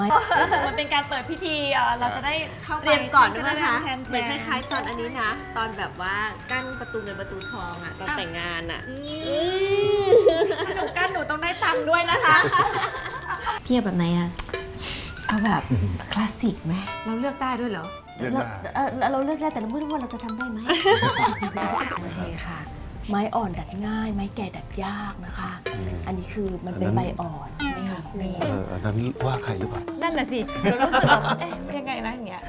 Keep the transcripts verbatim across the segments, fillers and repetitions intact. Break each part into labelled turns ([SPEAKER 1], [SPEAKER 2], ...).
[SPEAKER 1] รู้สึกมันเป็นการเปิดพิธีเราจะได้เข้าไป
[SPEAKER 2] เตรียมก่อนด้วยนะคะ
[SPEAKER 1] เห
[SPEAKER 2] เหมือนคล้ายๆตอนอันนี้นะ ตอนแบบว่ากั้นประตูเงินประตูทองอ่ะตอนแต่งงานอ่ะ
[SPEAKER 1] หนูกั้นหนูต้องได้ตังค์ด้วยนะคะ
[SPEAKER 3] พี่เอาแบบไหนอะ
[SPEAKER 2] เอาแบบคลาสสิกไหมเราเลือกได้ด้วยเหรอ
[SPEAKER 4] เลือกได้
[SPEAKER 2] เออเราเลือกได้แต่เราไม่รู้ว่าเราจะทำได้ไหม โอเคค่ะ ไม้อ่อนดัดง่าย ไม้แก่ดัดยากนะคะ อันนี้คือมันเป็นใบอ่อนใช่ไหมคะครู
[SPEAKER 4] เอออันนั้นว่าใครหรือเปล่า
[SPEAKER 1] นั่นแหละสิเรารู้สึกแบบเอ๊ะยังไงนะอย่างเงี้ย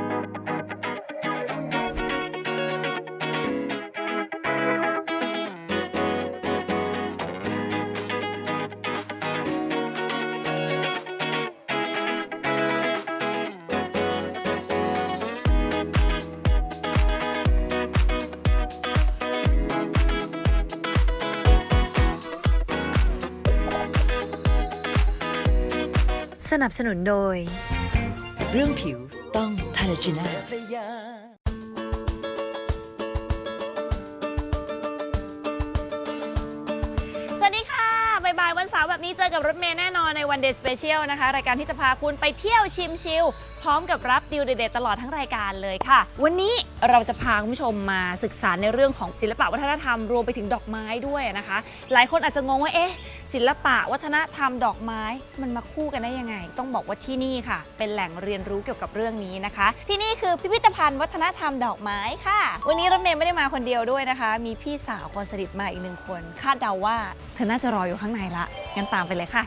[SPEAKER 5] สนับสนุนโดย
[SPEAKER 6] เรื่องผิวต้องทาเลจิน่า
[SPEAKER 1] สวัสดีค่ะบ่ายๆวันเสาร์แบบนี้เจอกับรถเมย์แน่นอนในวันเดย์สเปเชียลนะคะรายการที่จะพาคุณไปเที่ยวชิมชิลพร้อมกับรับดีลเด็ดๆตลอดทั้งรายการเลยค่ะวันนี้เราจะพาคุณผู้ชมมาศึกษาในเรื่องของศิลปะวัฒนธรรมรวมไปถึงดอกไม้ด้วยนะคะหลายคนอาจจะงงว่าเอ๊ะศิลปะวัฒนธรรมดอกไม้มันมาคู่กันได้ยังไงต้องบอกว่าที่นี่ค่ะเป็นแหล่งเรียนรู้เกี่ยวกับเรื่องนี้นะคะที่นี่คือพิพิธภัณฑ์วัฒนธรรมดอกไม้ค่ะวันนี้รถเมย์ไม่ได้มาคนเดียวด้วยนะคะมีพี่สาวคนสนิทมาอีกหนึ่งคนคาดเดาว่าเธอน่าจะรออยู่ข้างในละงั้นตามไปเลยค่ะ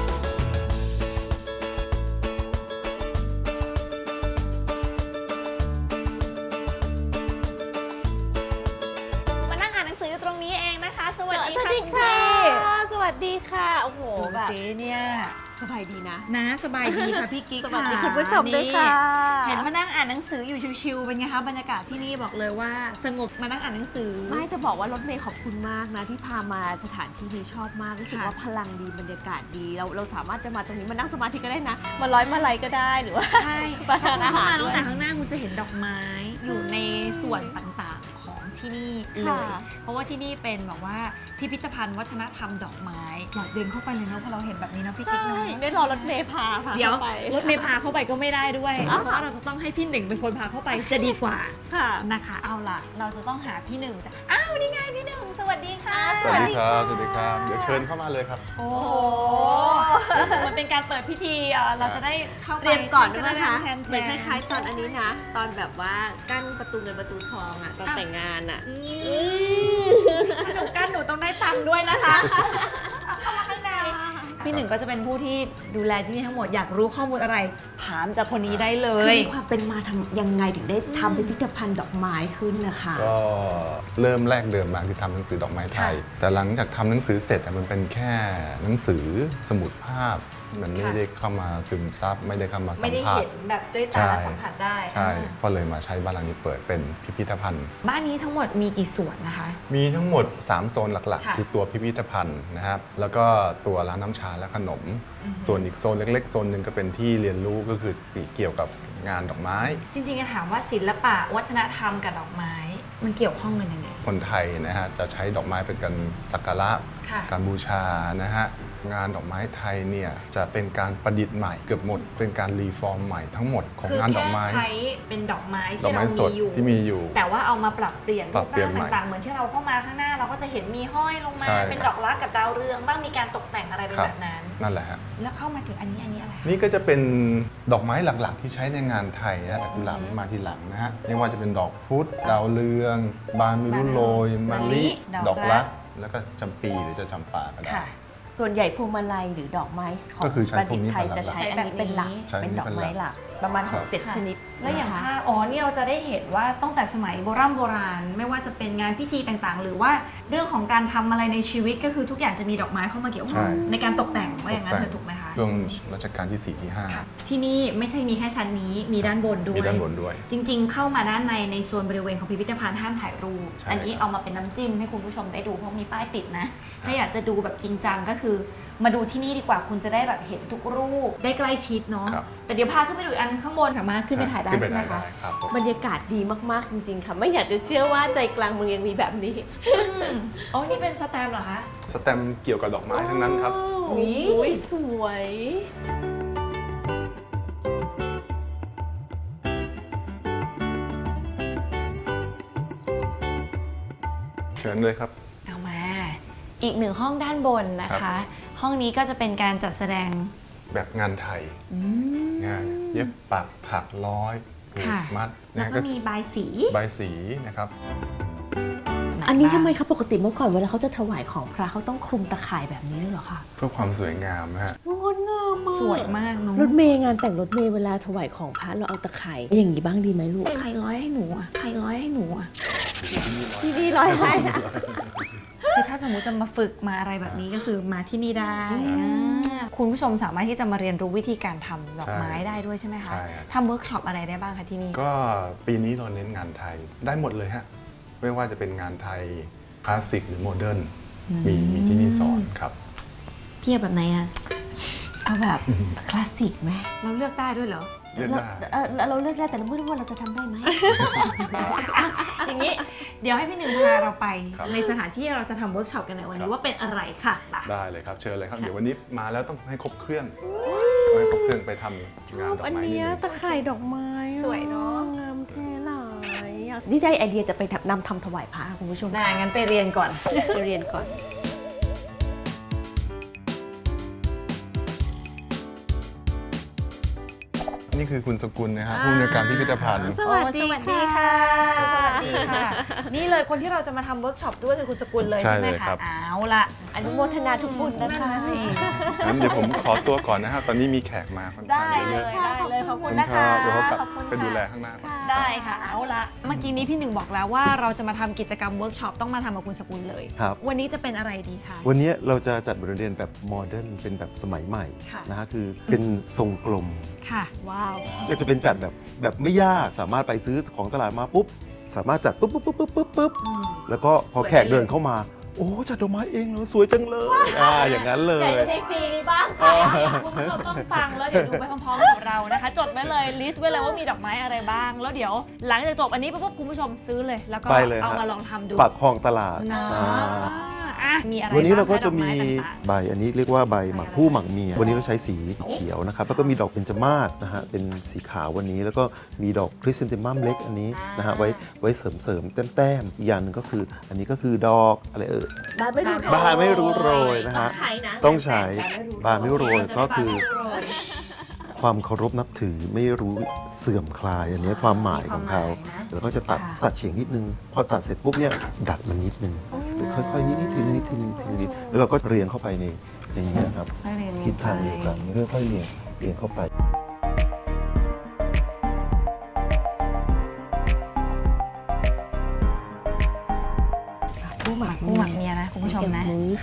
[SPEAKER 1] ตรงนี้เองนะคะสวัสดีค่ะ
[SPEAKER 2] สวัสดีค่ะ โอ้โห
[SPEAKER 1] ดู
[SPEAKER 2] แบบ
[SPEAKER 1] สิเนี่ย
[SPEAKER 2] สบายดีนะ
[SPEAKER 1] นะสบายดีค่ะพี่กิ๊ก
[SPEAKER 2] สวัสดี
[SPEAKER 1] ะ
[SPEAKER 2] คุณผู้ชมด้วยค่ะ
[SPEAKER 1] นี่เห็นมานั่งอ่านหนังสืออยู่ชิวๆเป็นไงคะบรรยากาศที่นี่บอกเลยว่าสงบมานั่งอ่านหนังสือ
[SPEAKER 2] ไม่จะบอกว่ารถเมย์ขอบคุณมากนะที่พามาสถานที่นี้ชอบมากรู้สึก
[SPEAKER 1] ค่ะ
[SPEAKER 2] ว่าพลังดีบรรยากาศดีเราเราสามารถจะมาตรงนี้มานั่งสมาธิก็ได้นะ มาร้อยมาลัยก็ได้หรือว่า
[SPEAKER 1] ใช่
[SPEAKER 2] มาทานอาหาร
[SPEAKER 1] ถ้
[SPEAKER 2] ด้วย
[SPEAKER 1] มาตั้งแต่ข้างหน้าคุณจะเห็นดอกไม้อยู่ในส่วนต่างๆของที่นี่เลย
[SPEAKER 2] ค่ะ
[SPEAKER 1] เพราะว่าที่นี่เป็นแบบว่าพิพิธภัณฑ์วัฒนธรรมดอกไม้อยากเดินเข้าไปเลยเนาะพอเราเห็นแบบนี้เนาะพี่กิ๊ก
[SPEAKER 2] ใช่
[SPEAKER 1] เนาะ
[SPEAKER 2] ได้รอรถเมย์พาพา
[SPEAKER 1] เดี๋ยว
[SPEAKER 2] ข้าไป
[SPEAKER 1] รถเมย์พาเข้าไปก็ไม่ได้ด้วย เพราะว่าเราจะต้องให้พี่หนึ่งเป็นคนพาเข้าไปจะดีกว่า
[SPEAKER 2] ค่ะ
[SPEAKER 1] นะคะเอาล่ะ เราจะต้องหาพี่หนึ่งจ้ะอ้าวนี่ไงพี่หนึ่งสวัสดีค่ะ
[SPEAKER 4] สวัสดีครับ สวัสดีครับ เดี๋ยวเชิญเข้ามาเลยครับ
[SPEAKER 1] โอ้โหรู้สึกมันเป็นการเปิดพิธีเราจะได้เข้าไป
[SPEAKER 2] เตรียมก่อนด้วยนะคะ
[SPEAKER 1] แทนๆ
[SPEAKER 2] เหมือนคล้ายๆตอนอันนี้นะ ตอนแบบว่ากั้นประตูเงินประตูทองอ่ะตอนแต่งงานอ่ะ
[SPEAKER 1] หนูกั้นหนูต้องได้ตังค์ด้วยนะคะเข้ามาข้างในพี่หนึ่งก็จะเป็นผู้ที่ดูแลที่นี่ทั้งหมดอยากรู้ข้อมูลอะไรถามจากคนนี้ได้เล
[SPEAKER 2] คือย มีความเป็นมาทำยังไงถึงได้ทำพิพิธภัณฑ์ดอกไม้ขึ้นนะคะ
[SPEAKER 4] ก็เริ่มแรกเดิมมาคือทำหนังสือดอกไม้ไทย แต่หลังจากทำหนังสือเสร็จอะมันเป็นแค่หนังสือสมุดภาพ มันไม่ได้เข้ามาซึมซับไม่ได้เข้ามาสั
[SPEAKER 1] ไม่
[SPEAKER 4] ม
[SPEAKER 1] ได้
[SPEAKER 4] ผัส
[SPEAKER 1] เห็นแบบด้วยตาและสัมผัสได้
[SPEAKER 4] ใช่ ก็เลยมาใช้บ้านหลังนี้เปิดเป็นพิพิธภัณฑ์
[SPEAKER 1] บ้านนี้ทั้งหมดมีกี่ส่วนนะคะ
[SPEAKER 4] มีทั้งหมดสามโซนหลัก
[SPEAKER 1] ค่ะ
[SPEAKER 4] ๆ คือตัวพิพิธภัณฑ์นะครับ แล้วก็ตัวร้านน้ำชาและขนม ส่วนอีกโซนเล็กๆ โซนหนึ่งก็เป็นที่เรียนรู้ก็คือเกี่ยวกับงานดอกไม้
[SPEAKER 1] จริงๆจะถามว่าศิลปะวัฒนธรรมกับดอกไม้ มันเกี่ยวข้องกันยังไง
[SPEAKER 4] คนไทยนะฮะจะใช้ดอกไม้เป็นการสักการะ
[SPEAKER 1] ค่ะ
[SPEAKER 4] การบูชานะฮะงานดอกไม้ไทยเนี่ยจะเป็นการประดิษฐ์ใหม่เกือบหมด เป็นการรีฟอร์มใหม่ทั้งหมดของงานดอกไม้
[SPEAKER 1] คือแค่ใช้เป็นดอกไม้
[SPEAKER 4] ดอก
[SPEAKER 1] ที่
[SPEAKER 4] ไม้
[SPEAKER 1] เรา
[SPEAKER 4] สด
[SPEAKER 1] มีอยู่
[SPEAKER 4] ที่มีอยู่
[SPEAKER 1] แต่ว่าเอามาปรับเปลี่ยน
[SPEAKER 4] ปรับเปลี่ยน
[SPEAKER 1] รู
[SPEAKER 4] ใหม่
[SPEAKER 1] ต่างๆเหมือนที่เราเข้ามาข้างหน้าเราก็จะเห็นมีห้อยลงมา
[SPEAKER 4] ใช่
[SPEAKER 1] เป็นดอกรักกับดาวเรืองบ้างมีการตกแต่งอะไรเป็น
[SPEAKER 4] ครับ
[SPEAKER 1] แบบนั้น
[SPEAKER 4] นั่นแหละฮะ
[SPEAKER 1] แล้วเข้ามาถึงอันนี้อันนี้อะไร
[SPEAKER 4] นี่ก็จะเป็นดอกไม้หลักๆ ที่ใช้ในงานไทยนะแต่กุหลาบนี่มาทีหลังนะฮะไม่ว่าจะเป็นดอกพุธดาวเรือง บานมิรุโรยมะลิ
[SPEAKER 1] ด
[SPEAKER 4] ด
[SPEAKER 1] อ
[SPEAKER 4] อก ก
[SPEAKER 1] รั
[SPEAKER 4] รั
[SPEAKER 1] ก
[SPEAKER 4] ก แล้วก็จำปีหรือจะจำปาก็ได้
[SPEAKER 1] ค่ะ
[SPEAKER 2] ส่วนใหญ่พวงมาลัยหรือดอกไม้ของ
[SPEAKER 4] ก็คือใช้
[SPEAKER 2] บัณฑิตไทย
[SPEAKER 4] พวกนี้
[SPEAKER 2] จะใช้อันนี้เป็นหลัก
[SPEAKER 4] ใช้อันนี้
[SPEAKER 2] เป็นดอกไม้
[SPEAKER 4] เป็นห
[SPEAKER 2] ห
[SPEAKER 4] ลั
[SPEAKER 2] ลั
[SPEAKER 4] ก
[SPEAKER 2] ก ประมาณ
[SPEAKER 4] ครับ
[SPEAKER 2] หกเจ็ดชนิด
[SPEAKER 1] แล้วอย่าง
[SPEAKER 2] นะคะ
[SPEAKER 1] ภาพอ๋อนี่เราจะได้เห็นว่าตั้งแต่สมัยโบราณโบราณ ไม่ว่าจะเป็นงานพิธีต่างๆ หรือว่าเรื่องของการทำอะไรในชีวิตก็คือทุกอย่างจะมีดอกไม้เข้ามาเกี่ยวข้อง
[SPEAKER 4] ใช่
[SPEAKER 1] ในการตกแต่งว่าอย่างนั้นเธอถูกไหมคะ
[SPEAKER 4] ช่วงรัชกาลที่สี่ที่ห้า
[SPEAKER 1] ค่ะที่นี่ไม่ใช่มีแค่ชั้นนี้มีด้านบนด้วย
[SPEAKER 4] มีด้านบนด้วย
[SPEAKER 1] จริงๆ เข้ามาด้านในในโซนบริเวณของพิพิธภัณฑ์ห้ามถ่ายรูป
[SPEAKER 4] ใช่
[SPEAKER 1] อันนี้เอามาเป็นน้ำจิ้มให้คุณผู้ชมได้ดูเพราะมีป้ายติดนะ ถ้าอยากจะดูแบบจริงจังก็คือ มาดูที่นี่ดีกว่าคุณจะได้แบบเห็นทุกรูปได้ใกล้ชิดเนาะ
[SPEAKER 4] ครับ
[SPEAKER 1] แต่เดี๋ยวพาขึ้นไปดูอีกอันข้างบนสามารถขึ้นไปถ่ายได้
[SPEAKER 4] ขึ้นป
[SPEAKER 1] ใช่ไหม
[SPEAKER 4] ถ่าย
[SPEAKER 1] คะ
[SPEAKER 4] ด้ครับผม
[SPEAKER 2] บรรยากาศดีมากๆจริงๆค่ะ ไม่อยากจะเชื่อว่าใจกลางเมืองยังมีแบบนี้
[SPEAKER 1] อ๋อ นี่เป็นสแตมป์เหรอคะ
[SPEAKER 4] สแตมป์เกี่ยวกับดอกไม้ทั้งนั้นครับ
[SPEAKER 2] อุ้ยสวย
[SPEAKER 4] เชิญเลยครับ
[SPEAKER 1] เอามา อีกหนึ่งห้องด้านบนนะ
[SPEAKER 4] ครั
[SPEAKER 1] คะ
[SPEAKER 4] บ
[SPEAKER 1] ห้องนี้ก็จะเป็นการจัดแสดง
[SPEAKER 4] แบบงานไทยงานเย็บปักถักร้อยผูก
[SPEAKER 1] ค่ะ
[SPEAKER 4] มัด
[SPEAKER 1] แล้ว
[SPEAKER 4] นะ
[SPEAKER 1] ก็มีบายสี
[SPEAKER 4] ใบสีนะครับ
[SPEAKER 2] อันนี้ทำไมคะปกติเมื่อก่อนเวลาเขาจะถวายของพระเขาต้องคลุมตะข่ายแบบนี้ด้วยเหรอคะ
[SPEAKER 4] เพื่อความสวยงามนะฮะ
[SPEAKER 2] งดงามมาก
[SPEAKER 1] สวยมากเนาะ
[SPEAKER 2] รถเมย์งานแต่งรถเมย์เวลาถวายของพระเราเอาตะข่ายอย่างนี้บ้างดีไหมลูก
[SPEAKER 3] ใครร้อยให้หนูอ่ะ ใครร้อยให้หนูอ่ะ
[SPEAKER 2] พี่ดีร้อยให้
[SPEAKER 1] คือถ้าสมมติจะมาฝึกมาอะไรแบบนี้ก็คือมาที่นี่ได้อ่าคุณผู้ชมสามารถที่จะมาเรียนรู้วิธีการทำดอกไม้ได้ด้วยใช่ไหมคะ
[SPEAKER 4] ใช่ครับ
[SPEAKER 1] ทำเวิร์กช็อปอะไรได้บ้างคะที่นี่
[SPEAKER 4] ก็ปีนี้เราเน้นงานไทยได้หมดเลยฮะ ไม่ว่าจะเป็นงานไทยคลาสสิกหรือโมเดิร์นมีมีที่นี่สอนครับ
[SPEAKER 3] พี่เอาแบบไหนอ่ะ
[SPEAKER 2] เอาแบบคลาสสิกไหม
[SPEAKER 1] เราเลือกได้ด้วยเหรอ
[SPEAKER 4] เลือกได้
[SPEAKER 2] เออเราเลือกได้แต่เราไม่รู้ว่าเราจะทำได้ไหม
[SPEAKER 1] อย่างนี้เดี๋ยวให้พี่หนึ่งพาเราไป
[SPEAKER 4] ครับ
[SPEAKER 1] ในสถานที่เราจะทำเวิร์กช็อปกันในวัน
[SPEAKER 4] ครั
[SPEAKER 1] นี้
[SPEAKER 4] บ
[SPEAKER 1] ว่าเป็นอะไรค่ะไป
[SPEAKER 4] ได้เลยครับ เชิญเลยครับ เดี๋ยววันนี้มาแล้วต้องให้ครบเครื่องต้องให้ครบเครื่องไปทำงานดอก
[SPEAKER 2] อัน
[SPEAKER 4] ไม้นิด
[SPEAKER 2] เนี้ย
[SPEAKER 4] นึง
[SPEAKER 2] ตะข่ายดอกไม้
[SPEAKER 1] สวยเนอะ
[SPEAKER 2] งามแท้หลายอยากนี่ได้ไอเดียจะไปนำทำถวายพระคุณผู้ชม
[SPEAKER 1] ได้งั้นไปเรียนก่อน
[SPEAKER 2] ไปเรียนก่อน
[SPEAKER 4] นี่คือคุณสกุลนะครับผู้อำนวยการพิพิธภัณฑ์
[SPEAKER 2] สวัสดี
[SPEAKER 1] โอ้สวัสดีค่ะ สวัสดีค่ะ นี่เลยคนที่เราจะมาทำเวิร์กช็อปด้วยคือคุณสกุลเลย
[SPEAKER 4] ใช่
[SPEAKER 1] ใช่ไหม
[SPEAKER 4] เลย
[SPEAKER 1] คะ
[SPEAKER 4] ครับ
[SPEAKER 1] เอาละ
[SPEAKER 2] อนุโมทนาทุกบุญนะคะ
[SPEAKER 1] สิ
[SPEAKER 4] งั้นเดี๋ยวผมขอตัวก่อนนะครับ ตอนนี้มีแขกมาค่อนข้าง
[SPEAKER 1] ได้เล
[SPEAKER 4] เยอะ
[SPEAKER 1] ยได้เลยขอบ
[SPEAKER 4] ขอบ
[SPEAKER 1] คุ
[SPEAKER 4] คุณ ณ
[SPEAKER 1] นะ
[SPEAKER 4] ครั
[SPEAKER 1] คะ
[SPEAKER 4] บเดี๋ยวเขากลับ
[SPEAKER 1] ขอบคุณ
[SPEAKER 4] ไปดูแล
[SPEAKER 1] ค่ะ
[SPEAKER 4] ข้างหน้าก่อน
[SPEAKER 1] ได้ค่ะเอาละเมื่อกี้นี้พี่หนึ่งบอกแล้วว่าเราจะมาทำกิจกรรมเวิร์กช็อปต้องมาทำกับคุณสกุลเลย
[SPEAKER 7] ครับ
[SPEAKER 1] วันนี้จะเป็นอะไรดีคะ
[SPEAKER 7] วันนี้เราจะจัดบทเรียนแบบโมเดิร์นเป็นแบบสมัยใหม่
[SPEAKER 1] ค่ะ
[SPEAKER 7] นะฮะคือเป็นทรงกลม
[SPEAKER 1] ค่ะ ว้าว
[SPEAKER 7] ก็จะเป็นจัดแบบแบบไม่ยากสามารถไปซื้อของตลาดมาปุ๊บ สามารถจัดปุ๊บปุ๊บปุ๊บปุ๊บปุ๊บปุ๊บแล้วก็พอแขกเดินเข้ามา โอ้จัดดอกไม้เองเหรอสวยจังเลยอ่าอย่างนั้นเล
[SPEAKER 1] อยาก
[SPEAKER 7] ย
[SPEAKER 1] จะได้ฟรีนี้บ้างค่ะคุณผู้ชมต้องฟังแล้วเดี๋ยวดูไปพร้อมๆกับเรานะคะ จดไว้เลยลิสต์ไว้เลยว่ามีดอกไม้อะไรบ้าง แล้วเดี๋ยวหลังจากจบอันนี้ปุ๊บคุณผู้ชมซื้อเลย แล้วก็
[SPEAKER 7] ไปเลย
[SPEAKER 1] เอา
[SPEAKER 7] ฮะ
[SPEAKER 1] มาลองทำดู
[SPEAKER 7] ปักคลองตลาด
[SPEAKER 1] นะ
[SPEAKER 7] อ่า
[SPEAKER 1] อ่ะมีอะไร
[SPEAKER 7] วันนี้เราก็
[SPEAKER 1] บ้งค
[SPEAKER 7] จะมี
[SPEAKER 1] ดอไต่าง
[SPEAKER 7] ใบอันนี้เรียกว่าใบหมักผู้หมักเมีย วันนี้เราใช้สีเขียวนะครับ แล้วก็มีดอกเบญจมาศนะฮะ เป็นสีขาววันนี้ แล้วก็มีดอกคริสเซนติมัมเล็กอันนี้นะฮะ ไว้ไว้เสริมเสริมๆแต้มๆอีกอย่างหนึงก็คือ อันนี้ก็คือดอกอะไรเอ่ย
[SPEAKER 2] บ้านไม่รู้
[SPEAKER 7] บานไม่รู้โรยนะฮะ
[SPEAKER 2] ต้องใช้นะ
[SPEAKER 7] ต้องใช้
[SPEAKER 2] บานไม่รู้
[SPEAKER 7] บานไม่รู้โรยก็คือ ความเคารพนับถือไม่รู้เสื่อมคลายอันนี้ความหมายของเขาแล้วก็จะตัดตัดเฉียงนิดนึง พอตัดเสร็จปุ๊บเนี่ยดัดมันนิดนึงค่อยๆนิดนิดทีละนิดทีละนิดทีละนิดแล้วเราก็เรียงเข้าไปในอย่างนี้ยครับ
[SPEAKER 1] ค่อยเรียน
[SPEAKER 7] ทิศทางเดียวกันค่อยๆเรียงเรียงเข้าไป
[SPEAKER 2] ผู้หมัก
[SPEAKER 1] ผู้หมักเมียนะคุณผู้ชมนะ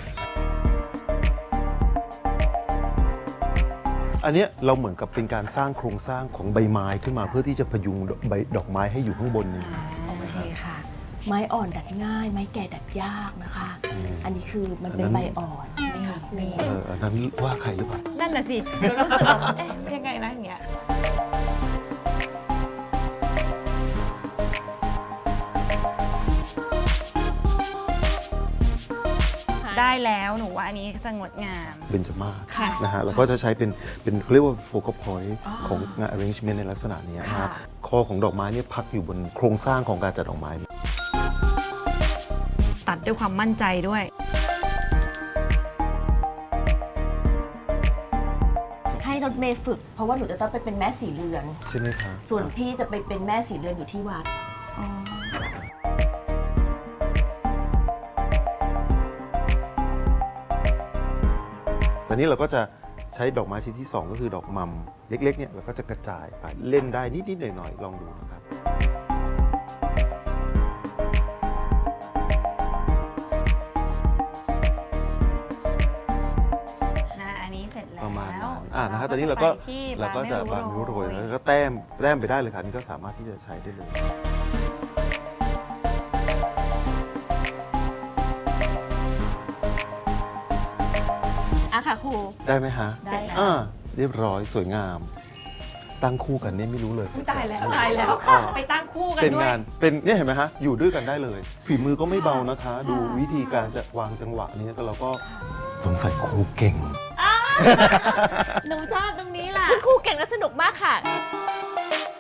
[SPEAKER 7] อันเนี้ยเราเหมือนกับเป็นการสร้างโครงสร้างของใบไม้ขึ้นมาเพื่อที่จะพยุงใบดอกไม้ให้อยู่ข้างบนนี้
[SPEAKER 2] โอเคค่ะ ไม้อ่อนดัดง่าย ไม้แก่ดัดยากนะคะ อันนี้คือมันเป็นใบอ่อนใช่ไหมคะครู
[SPEAKER 7] เอออันนั้นว่าใครหรือเปล่า
[SPEAKER 1] นั่นน่ะสิเดี๋ยวรู้สึกแบบเอ๊ะยังไงนะอย่างเงี้ยได้แล้วหนูว่าอันนี้จะงดงาม
[SPEAKER 7] เบญจมาศ
[SPEAKER 1] ค่ะ
[SPEAKER 7] นะฮะเราก็จะใช้เป็นเป็นเขาเรียกว่าโฟกัสพอยต์ของงาน arrangement ในลักษณะเนี้ยนะฮะคอของดอกไม้เนี่ยพักอยู่บนโครงสร้างของการจัดดอกไม้
[SPEAKER 1] ตัดด้วยความมั่นใจด้วย
[SPEAKER 2] ให้รถเมย์ฝึก เพราะว่าหนูจะต้องไปเป็นแม่สีเรือน
[SPEAKER 7] ใช่ไหมคะ
[SPEAKER 2] ส่วนพี่จะไปเป็นแม่สีเรือนอยู่ที่วัด
[SPEAKER 7] ตอนนี้เราก็จะใช้ดอกไม้ชนิดที่สองก็คือดอกมัมเล็กๆเนี่ยเราก็จะกระจายไปเล่นได้นิดๆหน่อยๆลองดูนะครับ
[SPEAKER 1] นะอันนี้เสร็จแล้ว
[SPEAKER 7] ประมาณนั้นอ่านะฮะตอนนี้เราก็
[SPEAKER 1] ไปที่
[SPEAKER 7] เราก็จะบานนิ้วโรยแล้วก็แต้มแต้มไปได้เลยค่ะนี่ก็สามารถที่จะใช้ได้เลย
[SPEAKER 2] อ่ะค่ะครู
[SPEAKER 7] ได้ไหมฮะ
[SPEAKER 2] ได้แล้ว
[SPEAKER 7] อ่าเรียบร้อยสวยงาม ตั้งคู่กันเนี่ยไม่รู้เลย
[SPEAKER 1] ตายแล้วตายแล้วค่ะไปตั้งคู่กัน
[SPEAKER 7] เป็น
[SPEAKER 1] ด้วย
[SPEAKER 7] งานเป็นเนี่ยเห็นไหมฮะอยู่ด้วยกันได้เลย ฝีมือก็ไม่เบานะคะ ดูวิธีการจะวางจังหวะเนี้ก็เราก็สงสัยครูเก่ง
[SPEAKER 1] หนูชอบตรงนี้แหละ
[SPEAKER 2] คุณครูเก่งและสนุกมากค่ะ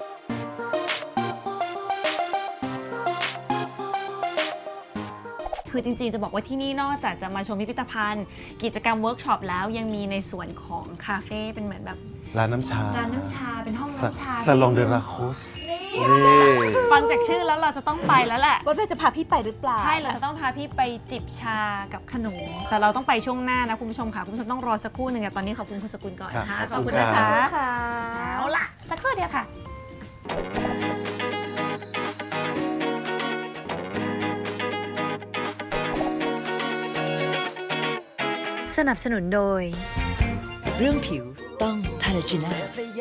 [SPEAKER 2] ค
[SPEAKER 1] คือจริงๆจะบอกว่าที่นี่นอกจากจะมาชมพิพิธภัณฑ์ กิจกรรมเวิร์กช็อปแล้วยังมีในส่วนของคาเฟ่เป็นเหมือนแบบ
[SPEAKER 7] ร้านน้ำชา
[SPEAKER 1] ร้านน้ำชาเป็นห้องน้ำชา
[SPEAKER 7] ซาลองเดลาโคสนี่
[SPEAKER 1] ฟังจากชื่อแล้วเราจะต้องไปแล้วแหละ
[SPEAKER 2] รถเมย์จะพาพี่ไปหรือเปล่า
[SPEAKER 1] ใช่เราจะต้องพาพี่ไปจิบชากับขนม แต่เราต้องไปช่วงหน้านะคุณผู้ชมค่ะ คุณผู้ชมต้องรอสักครู่หนึ่งอะตอนนี้ขอบคุณคุณสกุลก่อนนะคะ
[SPEAKER 7] ครับขอบคุณ
[SPEAKER 1] นะ
[SPEAKER 7] ครั
[SPEAKER 1] คะ
[SPEAKER 7] บ
[SPEAKER 2] ค่ะ
[SPEAKER 1] เอาล่ะ สักครู่เดียวค่ะ
[SPEAKER 5] สนับสนุนโดย
[SPEAKER 6] เรื่องผิวต้องทาราจิน่า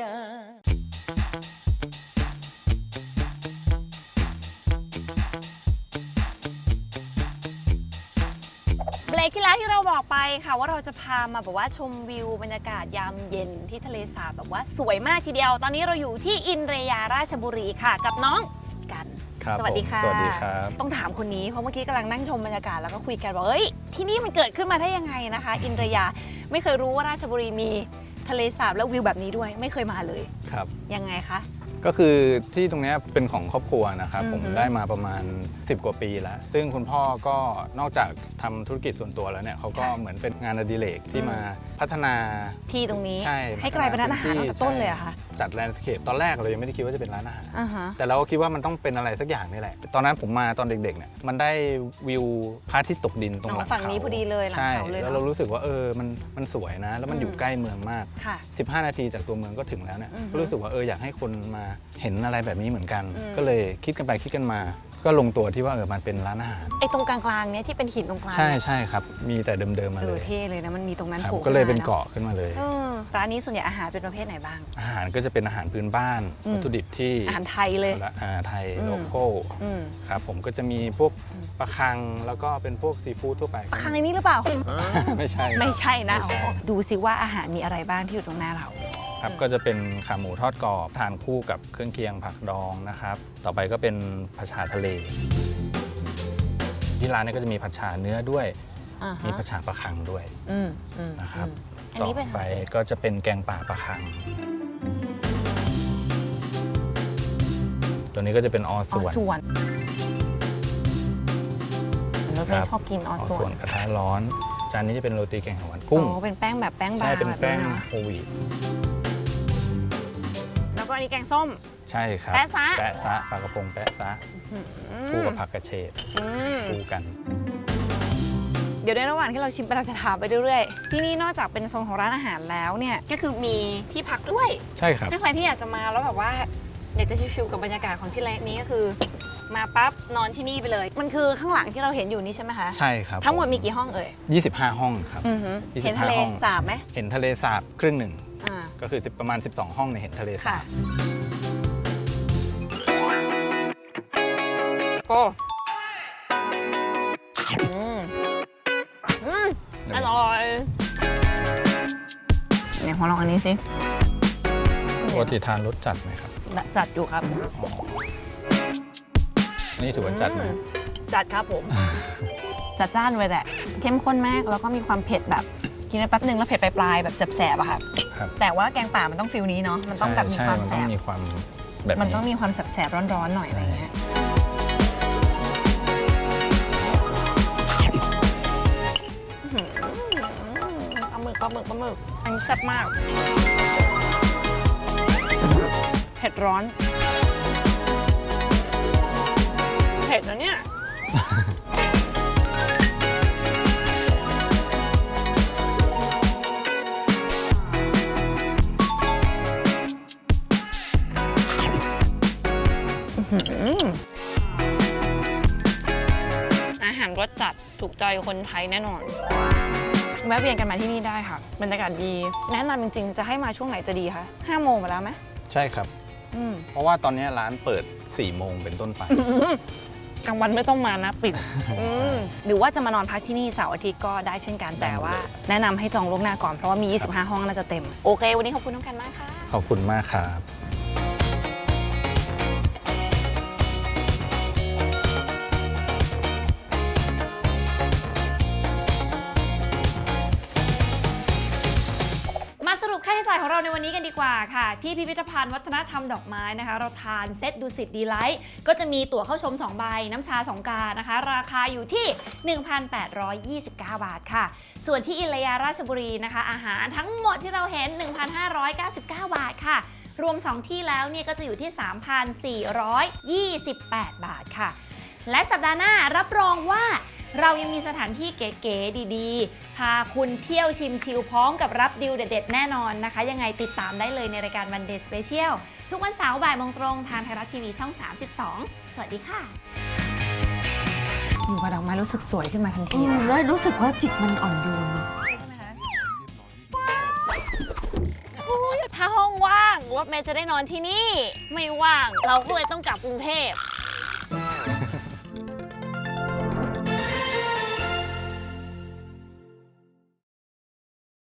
[SPEAKER 1] เบรกที่แล้วที่เราบอกไปค่ะว่าเราจะพามาแบบว่าชมวิวบรรยากาศยามเย็นที่ทะเลสาบแบบว่าสวยมากทีเดียว ตอนนี้เราอยู่ที่อินเรยาราชบุรีค่ะ กับน้องกัน
[SPEAKER 8] ครับ
[SPEAKER 1] สวัสดีค่ะ
[SPEAKER 8] ผมสวัสดีครับ
[SPEAKER 1] ต้องถามคนนี้เพราะเมื่อกี้กำลังนั่งชมบรรยากาศแล้วก็คุยกันว่าเอ้ยที่นี่มันเกิดขึ้นมาได้ยังไงนะคะ อินเรยาไม่เคยรู้ว่าราชบุรีมีทะเลสาบแล้ววิวแบบนี้ด้วยไม่เคยมาเลย
[SPEAKER 8] ครับ
[SPEAKER 1] ยังไงคะ
[SPEAKER 8] ก็คือที่ตรงเนี้ยเป็นของครอบครัวนะครับ
[SPEAKER 1] อือฮึ
[SPEAKER 8] ผมได้มาประมาณสิบกว่าปีแล้ว ซึ่งคุณพ่อก็นอกจากทำธุรกิจส่วนตัวแล้วเนี่ยเขาก็เหมือนเป็นงานอดิเรกที่มาพัฒนา
[SPEAKER 1] ที่ตรงนี้
[SPEAKER 8] ใช่
[SPEAKER 1] ให้กลายเป็นร้านอาหารตั้งแต่ต้นเลยเหรอะคะ
[SPEAKER 8] จัดแลนด์สเคปตอนแรกเรายังไม่ได้คิดว่าจะเป็นร้านอาหาร
[SPEAKER 1] อ่าฮะ
[SPEAKER 8] แต่เราก็คิดว่ามันต้องเป็นอะไรสักอย่างนี่แหละ ตอนนั้นผมมาตอนเด็กๆเนี่ยมันได้วิวพระอาทิตย์ตกดินตรงหลัง
[SPEAKER 1] อ๋อฝั่งนี้
[SPEAKER 8] เขา
[SPEAKER 1] พอดีเลยหลัง
[SPEAKER 8] ใช่
[SPEAKER 1] เขาเลย
[SPEAKER 8] แล้ว
[SPEAKER 1] เน
[SPEAKER 8] เรา
[SPEAKER 1] อะ
[SPEAKER 8] รู้สึกว่าเออมันมันสวยนะ แล้วมันอยู่
[SPEAKER 1] อืม
[SPEAKER 8] ใกล้เมืองมาก
[SPEAKER 1] ค่ะ
[SPEAKER 8] สิบห้า นาทีจากตัวเมืองก็ถึงแล้วเนี่ย
[SPEAKER 1] อือฮึ
[SPEAKER 8] ก็รู้สึกว่าเอออยากให้คนมาเห็นอะไรแบบนี้เหมือนกัน
[SPEAKER 1] อืม
[SPEAKER 8] ก็เลยคิดกันไปคิดกันมา ก็ลงตัวที่ว่าเออมันเป็นร้านอาหาร
[SPEAKER 1] ไอ้ตรงกลางๆเนี้ยที่เป็นหินตรงกลาง
[SPEAKER 8] ใช่ใช่ครับ มีแต่เดิมๆมา
[SPEAKER 1] เอ
[SPEAKER 8] เล
[SPEAKER 1] อย เท่เลยนะมันมีตรงนั้น
[SPEAKER 8] ครับ
[SPEAKER 1] โผล่
[SPEAKER 8] ก็เลย
[SPEAKER 1] ขึ้
[SPEAKER 8] เป็น
[SPEAKER 1] ม
[SPEAKER 8] เกาะขึ้นมาเลย
[SPEAKER 1] เออร้านนี้ส่วนใหญ่อาหารเป็นประเภทไหนบ้าง
[SPEAKER 8] อาหารก็จะเป็นอาหารพื้นบ้าน
[SPEAKER 1] อืม
[SPEAKER 8] วัตถุดิบที่
[SPEAKER 1] อาหารไทยเลย
[SPEAKER 8] ละอาหารไทย
[SPEAKER 1] อืม
[SPEAKER 8] โลโก้
[SPEAKER 1] อืม
[SPEAKER 8] ครับผมก็จะมีพวกปลาคังแล้วก็เป็นพวกซีฟู้ดทั่วไป
[SPEAKER 1] ปลาคังในนี้หรือเปล่า
[SPEAKER 8] ไม่ใช่
[SPEAKER 1] ไม่ใช่นะ
[SPEAKER 8] ไม่ใช่
[SPEAKER 1] อ๋อดูสิว่าอาหารมีอะไรบ้างที่อยู่ตรงหน้าเรา
[SPEAKER 8] ครับก็จะเป็นขาหมูทอดกรอบทานคู่กับเครื่องเคียงผักดองนะครับ ต่อไปก็เป็นผัดชาทะเล ที่ร้านเนี้ก็จะมีผัดชาเนื้อด้วย
[SPEAKER 1] อ่า
[SPEAKER 8] มี
[SPEAKER 1] ฮะ
[SPEAKER 8] ผัดชาปลาคังด้วย
[SPEAKER 1] อืมอืม
[SPEAKER 8] นะครับ
[SPEAKER 1] อัน
[SPEAKER 8] ต่อ
[SPEAKER 1] นี้เป็น
[SPEAKER 8] ไปก็จะเป็นแกงป่าปลาคัง ตัวนี้ก็จะเป็นออ
[SPEAKER 1] ออ
[SPEAKER 8] ส่วน
[SPEAKER 1] ส่วนรถเม
[SPEAKER 8] ครั
[SPEAKER 1] ย์
[SPEAKER 8] บ
[SPEAKER 1] ชอบกินออ
[SPEAKER 8] ออ
[SPEAKER 1] ส่
[SPEAKER 8] ส่
[SPEAKER 1] ว
[SPEAKER 8] วน นกระทะร้อน จานนี้จะเป็นโรตีแกงเขียวหวานกุ้ง
[SPEAKER 1] อ๋อเป็นแป้งแบบแป้งบา
[SPEAKER 8] ใช่
[SPEAKER 1] ง
[SPEAKER 8] เป็น
[SPEAKER 1] แบบ
[SPEAKER 8] แป้ง
[SPEAKER 1] นี้นะ
[SPEAKER 8] โฮลวีต
[SPEAKER 1] แล้วก็อันนี้แกงส้ม
[SPEAKER 8] ใช่ครับ
[SPEAKER 1] แปะซะ
[SPEAKER 8] แปะซะปลากระพงแปะซะคู่กับผักกระเฉด
[SPEAKER 1] อืม
[SPEAKER 8] คู่กัน
[SPEAKER 1] เดี๋ยวในระหว่างที่เราชิมไปเราจะถามไปเรื่อยๆที่นี่นอกจากเป็นโซนของร้านอาหารแล้วเนี่ยก็คือมีที่พักด้วย
[SPEAKER 8] ใช่ครับ
[SPEAKER 1] ถ้าใครที่อยากจะมาแล้วแบบว่าอยากจะชิลๆกับบรรยากาศของที่แรกนี้ก็คือ มาปั๊บนอนที่นี่ไปเลย มันคือข้างหลังที่เราเห็นอยู่นี่ใช่ไหมคะ
[SPEAKER 8] ใช่ครับ
[SPEAKER 1] ทั้งหมดมีกี่ห้องเอ่ย
[SPEAKER 8] ยี่สิบห้าห้องครับ
[SPEAKER 1] อือหือ
[SPEAKER 8] ยี่สิบห้า
[SPEAKER 1] เห็นทะเล
[SPEAKER 8] ห้อง
[SPEAKER 1] สาบไหม
[SPEAKER 8] เห็นทะเลสาบครึ่งหนึ่ง
[SPEAKER 1] อ่า
[SPEAKER 8] ก็คือประมาณ สิบสอง ห้องเนี่ยเห็นทะเลสา
[SPEAKER 1] ค่ะ
[SPEAKER 8] บ
[SPEAKER 1] โอ้อืมอืมอร่อยเนี่ยขอลองอันนี้สิ
[SPEAKER 8] ปกติทานรสจัดไหมครับ
[SPEAKER 1] จัดอยู่ครับ
[SPEAKER 8] นี่ถือว่าจัดไหม
[SPEAKER 1] อืมจัดครับผม จัดจ้านเลยแหละ เข้มข้นมากแล้วก็มีความเผ็ดแบบกินไปแป๊บนึงแล้วเผ็ดปลายๆแบบแสบๆอะค่ะ
[SPEAKER 8] ครับ
[SPEAKER 1] แต่ว่าแกงป่ามันต้องฟิลนี้เนาะมันต้องแบบมี
[SPEAKER 8] ใช่
[SPEAKER 1] ความ
[SPEAKER 8] มัน
[SPEAKER 1] แส
[SPEAKER 8] ต้อง
[SPEAKER 1] บ
[SPEAKER 8] มีความแบบ
[SPEAKER 1] มัน
[SPEAKER 8] นี้
[SPEAKER 1] ต้องมีความแสบๆร้อนๆหน่อยอะไรเงี้ยอื้อหือปลาหมึกปลาหมึกปลาหมึกอันนี้แซ่บมากเผ็ดร้อนเผ็ดนะเนี่ย อาหารรสจัดถูกใจคนไทยแน่นอน แวะเวียนกันมาที่นี่ได้ค่ะบรรยากาศดี แนะนำจริงๆ จะให้มาช่วงไหนจะดีคะห้าโมงมาแล้วไหม
[SPEAKER 8] ใช่ครับ
[SPEAKER 1] อืม
[SPEAKER 8] เพราะว่าตอนนี้ร้านเปิด สี่ โมงเป็นต้นไป
[SPEAKER 1] กลางวันไม่ต้องมานะปิดอืมหรือว่าจะมานอนพักที่นี่เสาร์อาทิตย์ก็ได้เช่นกัน แต่ว่าแนะนำให้จองล่วงหน้าก่อนเพราะว่ามี ยี่สิบห้า ห้องน่าจะเต็ม โอเค วันนี้ขอบคุณน้องกันมากค่ะ
[SPEAKER 8] ขอบคุณมากครับ
[SPEAKER 1] มาสรุปค่าใช้จ่ายของเราในวันนี้กันดีกว่าค่ะ ที่พิพิธภัณฑ์วัฒนธรรมดอกไม้นะคะ เราทานเซตดูสิตดีไลท์ก็จะมีตั๋วเข้าชมสองใบน้ำชาสองกานะคะ ราคาอยู่ที่ หนึ่งพันแปดร้อยยี่สิบเก้า บาทค่ะ ส่วนที่อิลยาราชบุรีนะคะ อาหารทั้งหมดที่เราเห็น หนึ่งพันห้าร้อยเก้าสิบเก้า บาทค่ะ รวมสองที่แล้วเนี่ยก็จะอยู่ที่ สามพันสี่ร้อยยี่สิบแปด บาทค่ะ และสัปดาห์หน้ารับรองว่าเรายังมีสถานที่เก๋ๆดีๆ พาคุณเที่ยวชิมชิลพร้อมกับรับดีลเด็ดๆแน่นอนนะคะ ยังไงติดตามได้เลยในรายการ One Day Special ทุกวันเสาร์บ่ายโมงตรงทางไทยรัฐทีวีช่อง สามสิบสอง สวัสดีค่ะ
[SPEAKER 3] อยู่กับดอกไม้รู้สึกสวยขึ้นมาทันที
[SPEAKER 2] อืม
[SPEAKER 3] เลย
[SPEAKER 2] แล้วรู้สึกว่าจิตมันอ่อนโยน
[SPEAKER 1] ถ้าห้องว่างรถเมย์จะได้นอนที่นี่ ไม่ว่างเราก็เลยต้องกลับกรุงเทพ